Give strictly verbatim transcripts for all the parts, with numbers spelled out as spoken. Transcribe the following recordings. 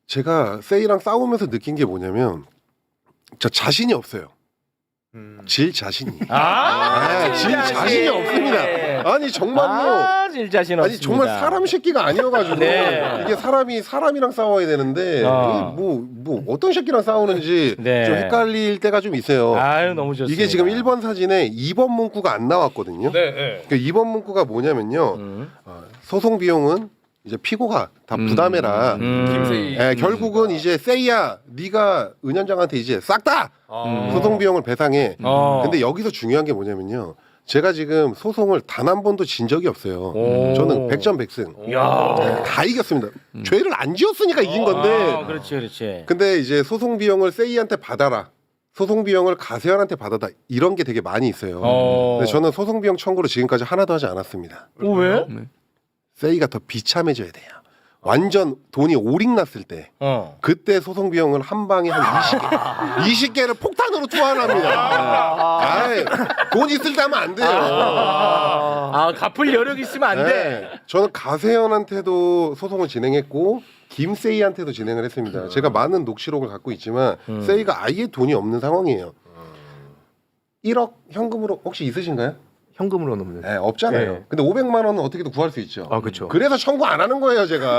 제가 세이랑 싸우면서 느낀 게 뭐냐면 저 자신이 없어요. 음. 질 자신이. 아, 네, 질 자신이 없습니다. 아니 정말로. 아, 질 자신 아니 없습니다. 정말 사람 새끼가 아니어가지고 네. 이게 사람이 사람이랑 싸워야 되는데 어. 뭐뭐 뭐 어떤 새끼랑 싸우는지 네. 좀 헷갈릴 때가 좀 있어요. 아유 너무 좋습니다. 이게 지금 일 번 사진에 이 번 문구가 안 나왔거든요. 네, 네. 그 이 번 문구가 뭐냐면요. 음. 어, 소송 비용은 이제 피고가 다 부담해라. 음. 김세희. 예, 결국은 이제 세이야, 네가 은현장한테 이제 싹 다 아. 소송 비용을 배상해. 어. 근데 여기서 중요한 게 뭐냐면요. 제가 지금 소송을 단 한 번도 진 적이 없어요. 오. 저는 백전백승. 야. 다 이겼습니다. 죄를 안 지었으니까 이긴 건데. 아, 그렇지, 그렇지. 근데 이제 소송 비용을 세이한테 받아라. 소송 비용을 가세현한테 받아다. 이런 게 되게 많이 있어요. 어. 근데 저는 소송 비용 청구를 지금까지 하나도 하지 않았습니다. 어, 왜? 세이가 더 비참해져야 돼요. 완전 돈이 오링 났을 때 어. 그때 소송 비용을 한 방에 한 이십 개 이십 개를 폭탄으로 투하합니다. 아이, 돈 있을 때 하면 안 돼요. 아, 갚을 여력 있으면 안 돼. 네, 저는 가세현한테도 소송을 진행했고 김세이한테도 진행을 했습니다. 제가 많은 녹취록을 갖고 있지만 음. 세이가 아예 돈이 없는 상황이에요. 일억 현금으로 혹시 있으신가요? 현금으로는 없는. 네, 없잖아요. 네. 근데 오백만 원은 어떻게든 구할 수 있죠. 아 그렇죠. 그래서 청구 안 하는 거예요, 제가.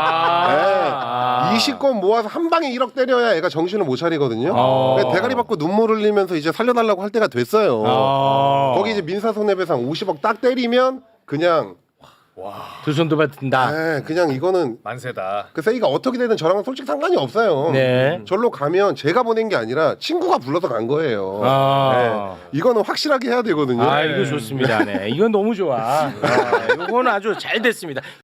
아. 네. 이십 건 모아서 한 방에 일억 때려야 애가 정신을 못 차리거든요. 아. 그래서 대가리 받고 눈물 흘리면서 이제 살려달라고 할 때가 됐어요. 아. 거기 이제 민사 손해배상 오십억 딱 때리면 그냥 두 손도 받든다. 네, 그냥 이거는 만세다. 그 세이가 어떻게 되든 저랑은 솔직히 상관이 없어요. 네. 절로 가면 제가 보낸 게 아니라 친구가 불러서 간 거예요. 아. 네. 이거는 확실하게 해야 되거든요. 아, 이거 좋습니다. 네. 이건 너무 좋아. 아, 이건 아주 잘 됐습니다.